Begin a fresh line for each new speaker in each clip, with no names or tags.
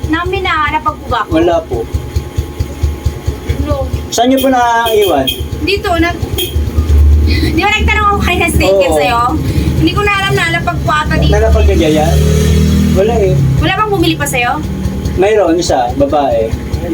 namin na napagbuga ko.
Wala po.
No.
Saan niyo po naiwan?
Dito, di ba nagtanong ako kay Staker
Oo.
sa'yo? Hindi ko na alam na napagpata dito.
Nalapagkagayan? Wala eh.
Wala bang bumili pa sa'yo?
Mayroon isa, babae.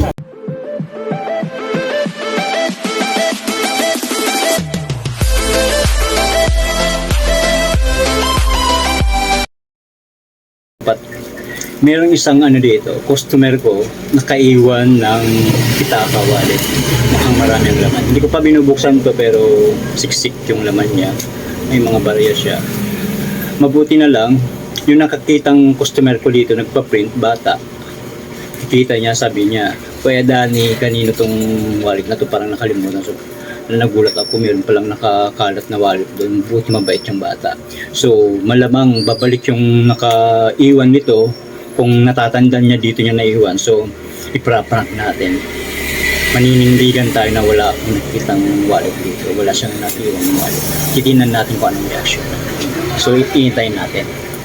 Merong isang dito, customer ko, nakaiwan ng pitaka wallet. Mukhang marami ang laman. Hindi ko pa binubuksan to pero siksik yung laman niya. May mga barya siya. Mabuti na lang, yung nakakitang customer ko dito, nagpa-print, bata. Kita niya, sabi niya, Kuya Danny, kanino tong wallet na to, parang nakalimutan. So, nagulat ako, meron palang nakakalat na wallet doon. Buti mabait yung bata. So, malamang babalik yung nakaiwan nito kung natatandaan niya dito niya naiwan. So, ipra-prank natin. Maninindigan tayo na wala akong nakikitang wallet dito. Wala siyang natiwang wallet. Titignan natin kung anong reaction. So, itintayin natin.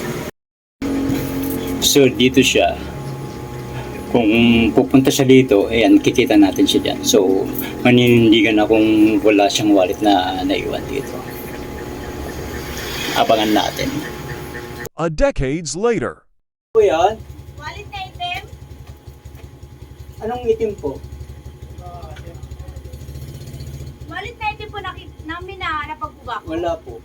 So, dito siya. Kung pupunta siya dito, ayan, kikita natin siya dyan. So, maninindigan na kung wala siyang wallet na naiwan dito. Abangan natin.
A decades later.
Po yan?
Wallet na item?
Anong itim po?
Wallet na item po namin na napagbuga ko.
Wala po.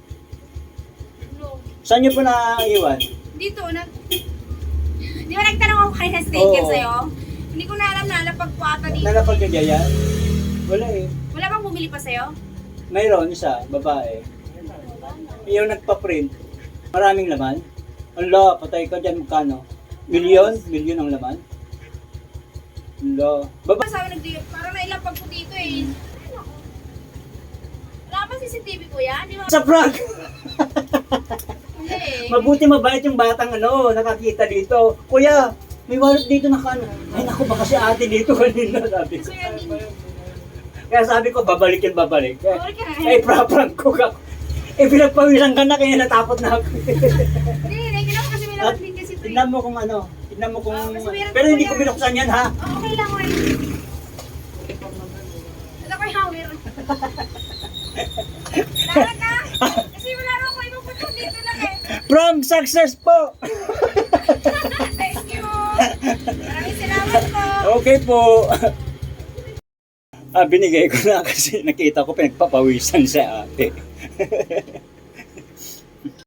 No.
Saan niyo po naiwan?
Dito, di ba nagtanong ako kay Staker
Oo.
sa'yo? Hindi ko na alam na napagpata dito.
Nalapagkagayan? Wala eh.
Wala bang bumili pa sa'yo?
Mayroon isa, babae. Yung nagpa-print. Maraming laman. Ala, patay ka dyan, magkano? Milyon? Milyon ang laman? Ala. Baba.
Sabi parang nailapag ko dito eh. Wala ba CCTV ko yan? Di ba?
Sa prank!
Hindi eh.
Mabuti mabait yung batang nakakita dito. Kuya, may wallet dito na kano. Ay naku, baka si ate dito kanina, sabi ko.
So yan din.
Kaya sabi ko, babalik yan, babalik.
Sorry ka na.
Ay, pra-prank ko ka. Eh, pinagpawisan ka na, kaya natakot na ako.
Hindi, nagkina ko kasi may laman din kasi ito eh.
Tignan mo kung tignan mo kung...
kasi meron
Pero
po
hindi
yan.
ko binuksan yan, ha?
Oh, okay lang, okay. Ito ko yung hawir. Lahat na. Kasi wala naman ko ibang puto dito lang eh.
From success po!
Thank you. Maraming salamat po.
Okay po. Binigay ko na kasi nakita ko pinagpapawisan sa ate.